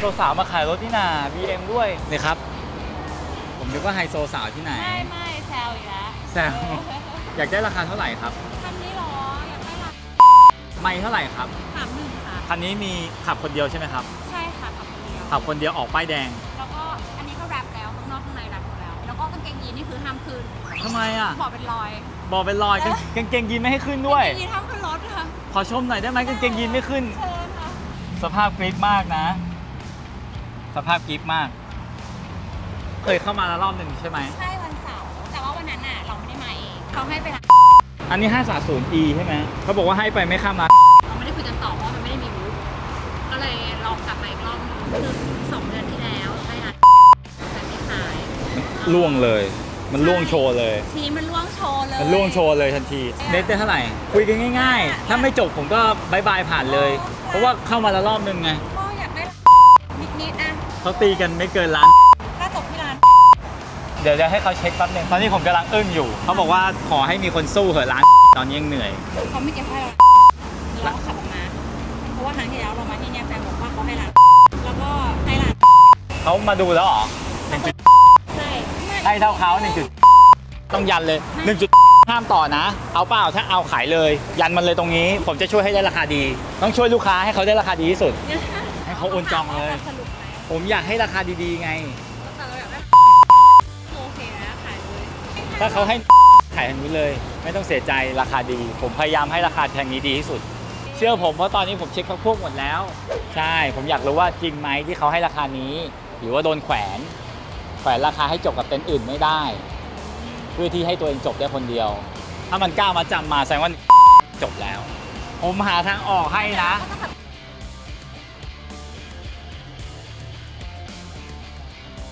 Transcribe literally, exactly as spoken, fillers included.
สาวๆมาขายรถนี่นา บี เอ็ม ด้วยนี่ครับผมนึกว่าไฮโซสาวที่ไหนไม่ไม่แซวอีกแล้วแซวอยากได้ราคาเท่าไหร่ครับคันนี้หรออยากได้ราคาไม่เท่าไหร่ครับสามหนึ่งค่ะคันนี้มีขับคนเดียวใช่ไหมครับใช่ค่ะขับคนเดียวขับคนเดียวออกป้ายแดงแล้วก็อันนี้ก็แรปแล้วข้างนอกข้างในแรปหมดแล้วแล้วก็กางเกงยีนนี่คือห้ามขึ้นทำไมอ่ะบอกเป็นรอยบอกเป็นรอยกางเกงยีนไม่ให้ขึ้นด้วยกางเกงยีนห้ามขึ้นรถค่ะขอชมหน่อยได้ไหมกางเกงยีนไม่ขึ้นเชิญค่ะสภาพกริปมากนะสภาพกริปมากเคยเข้ามาแล้วรอบหนึ่งใช่ไหมใช่วันเสาร์แต่ว่าวันนั้นน่ะเราไม่ได้มาเองเขาให้ไปร้านอันนี้ ห้าสามศูนย์ อี ใช่ไหมเขาบอกว่าให้ไปไม่ข้ามร้านเราไม่ได้คุยกันต่อเพราะมันไม่ได้มีบูธก็เลยลองกลับมาอีกรอบนึงคือสองเดือนที่แล้วได้ร้านแต่ไม่ขายล่วงเลยมันล่วงโชว์เลยทีนี้มันล่วงโชว์เลยมันล่วงโชว์เลยทันทีเน็ตได้เท่าไหร่คุยกันง่ายๆถ้าไม่จบผมก็บายบายผ่านเลยเพราะว่าเข้ามาแล้วรอบนึงไงก็อยากได้นิดๆนะเขาตีกันไม่เกินล้านถ้าจบที่ร้านเดี๋ยวจะให้เขาเช็คแป๊บนึงตอนนี้ผมกำลังอึ้งอยู่เขาบอกว่าขอให้มีคนสู้เหอะร้านตอนนี้ยังเหนื่อยเขาไม่เก็บให้เราเราขับออกมาเพราะว่าครั้งที่แล้วเรามาที่นี่แฟนบอกว่าเขาให้ร้านแล้วก็ให้ร้านเขามาดูแล้วเหรอหนึ่งจุดใช่ให้เท่าเขาหนึ่งจุดต้องยันเลยหนึ่งจุดห้ามต่อนะเอาเปล่าถ้าเอาขายเลยยันมันเลยตรงนี้ผมจะช่วยให้ได้ราคาดีต้องช่วยลูกค้าให้เขาได้ราคาดีที่สุดให้เขาโอนจองเลยผมอยากให้ราคาดีๆไงโอเคนะขายเลยถ้าเขาให้ขายทางนี้เลยไม่ต้องเสียใจราคาดีผมพยายามให้ราคาทางนี้ดีที่สุดเชื่อผมเพราะตอนนี้ผมเช็คพวกหมดแล้วใช่ผมอยากรู้ว่าจริงไหมที่เขาให้ราคานี้หรือว่าโดนแขวนแขวนราคาให้จบกับเต็นท์อื่นไม่ได้เพื่อที่ให้ตัวเองจบได้คนเดียวถ้ามันกล้ามาจำมาแสดงว่าจบแล้วผมหาทางออกให้นะ